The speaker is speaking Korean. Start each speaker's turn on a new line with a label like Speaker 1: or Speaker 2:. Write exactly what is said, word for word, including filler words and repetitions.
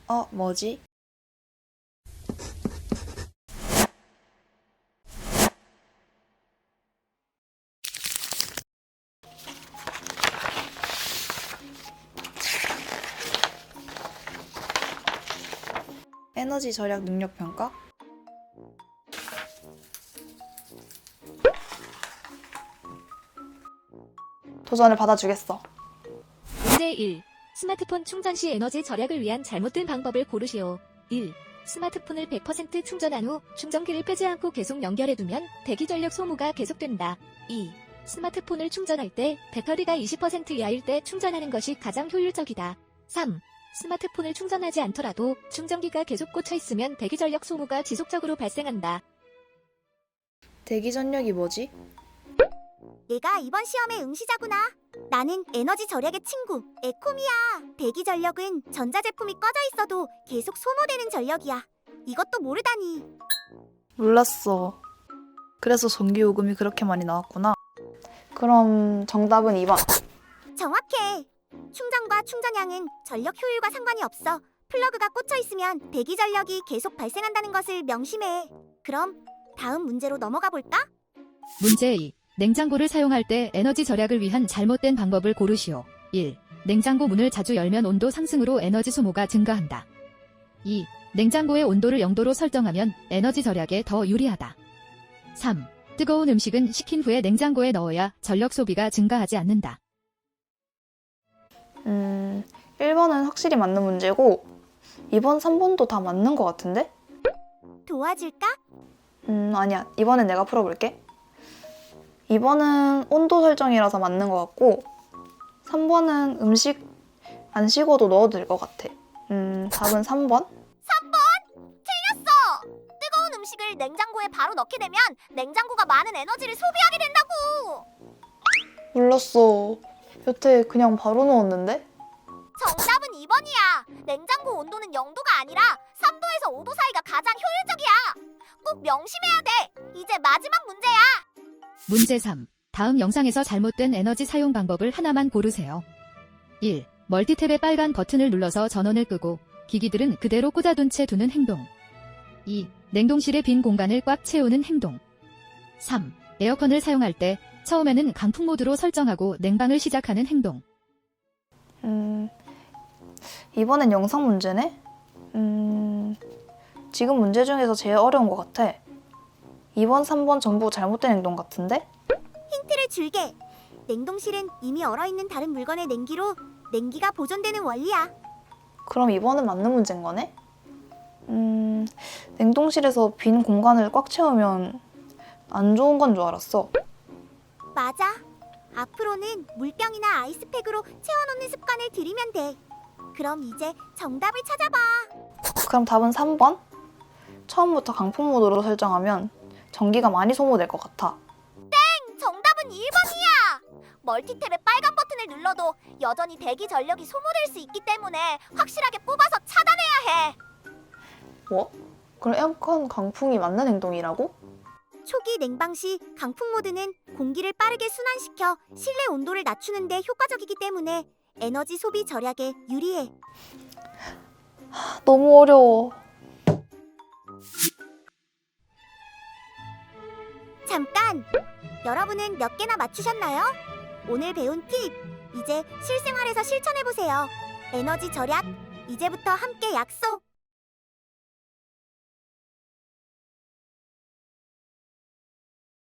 Speaker 1: 어, 뭐지? 에너지 절약 능력 평가? 도전을 받아주겠어.
Speaker 2: 문제 일. 스마트폰 충전 시 에너지 절약을 위한 잘못된 방법을 고르시오. 일. 스마트폰을 백 퍼센트 충전한 후 충전기를 빼지 않고 계속 연결해두면 대기 전력 소모가 계속된다. 이. 스마트폰을 충전할 때 배터리가 이십 퍼센트 이하일 때 충전하는 것이 가장 효율적이다. 삼. 스마트폰을 충전하지 않더라도 충전기가 계속 꽂혀 있으면 대기 전력 소모가 지속적으로 발생한다.
Speaker 1: 대기 전력이 뭐지?
Speaker 3: 얘가 이번 시험의 응시자구나. 나는 에너지 절약의 친구, 에코미야. 대기 전력은 전자제품이 꺼져 있어도 계속 소모되는 전력이야. 이것도 모르다니.
Speaker 1: 몰랐어. 그래서 전기요금이 그렇게 많이 나왔구나. 그럼 정답은 이 번.
Speaker 3: 정확해. 충전과 충전량은 전력 효율과 상관이 없어. 플러그가 꽂혀 있으면 대기 전력이 계속 발생한다는 것을 명심해. 그럼 다음 문제로 넘어가 볼까?
Speaker 2: 문제 이. 냉장고를 사용할 때 에너지 절약을 위한 잘못된 방법을 고르시오. 일. 냉장고 문을 자주 열면 온도 상승으로 에너지 소모가 증가한다. 이. 냉장고의 온도를 영 도로 설정하면 에너지 절약에 더 유리하다. 삼. 뜨거운 음식은 식힌 후에 냉장고에 넣어야 전력 소비가 증가하지 않는다.
Speaker 1: 음, 일 번은 확실히 맞는 문제고 이 번, 삼 번도 다 맞는 것 같은데?
Speaker 3: 도와줄까?
Speaker 1: 음, 아니야. 이번엔 내가 풀어볼게. 이 번은 온도 설정이라서 맞는 것 같고 삼 번은 음식 안 식어도 넣어도 될 것 같아. 음, 답은 삼 번?
Speaker 3: 삼 번! 틀렸어! 뜨거운 음식을 냉장고에 바로 넣게 되면 냉장고가 많은 에너지를 소비하게 된다고!
Speaker 1: 몰랐어. 여태 그냥 바로 넣었는데?
Speaker 3: 정답은 이 번이야. 냉장고 온도는 영 도가 아니라 삼 도에서 오 도 사이가 가장 효율적이야. 꼭 명심해야 돼. 이제 마지막 문제야.
Speaker 2: 문제 삼. 다음 영상에서 잘못된 에너지 사용 방법을 하나만 고르세요. 일. 멀티탭의 빨간 버튼을 눌러서 전원을 끄고 기기들은 그대로 꽂아둔 채 두는 행동. 이. 냉동실의 빈 공간을 꽉 채우는 행동. 삼. 에어컨을 사용할 때 처음에는 강풍 모드로 설정하고 냉방을 시작하는 행동.
Speaker 1: 음, 이번엔 영상 문제네? 음, 지금 문제 중에서 제일 어려운 것 같아. 이 번, 삼 번 전부 잘못된 행동 같은데?
Speaker 3: 힌트를 줄게. 냉동실은 이미 얼어있는 다른 물건의 냉기로 냉기가 보존되는 원리야.
Speaker 1: 그럼 이 번은 맞는 문제인 거네? 음, 냉동실에서 빈 공간을 꽉 채우면 안 좋은 건 줄 알았어.
Speaker 3: 맞아. 앞으로는 물병이나 아이스팩으로 채워놓는 습관을 들이면 돼. 그럼 이제 정답을 찾아봐.
Speaker 1: 그럼 답은 삼 번? 처음부터 강풍 모드로 설정하면 전기가 많이 소모될 것 같아.
Speaker 3: 정답은 일 번이야. 멀티탭의 빨간 버튼을 눌러도 여전히 대기 전력이 소모될 수 있기 때문에 확실하게 뽑아서 차단해야 해.
Speaker 1: 뭐? 그럼 에어컨 강풍이 맞는 행동이라고?
Speaker 3: 초기 냉방 시 강풍 모드는 공기를 빠르게 순환시켜 실내 온도를 낮추는 데 효과적이기 때문에 에너지 소비 절약에 유리해.
Speaker 1: 너무 어려워.
Speaker 3: 잠깐! 여러분은 몇 개나 맞추셨나요? 오늘 배운 팁, 이제 실생활에서 실천해보세요. 에너지 절약, 이제부터 함께 약속!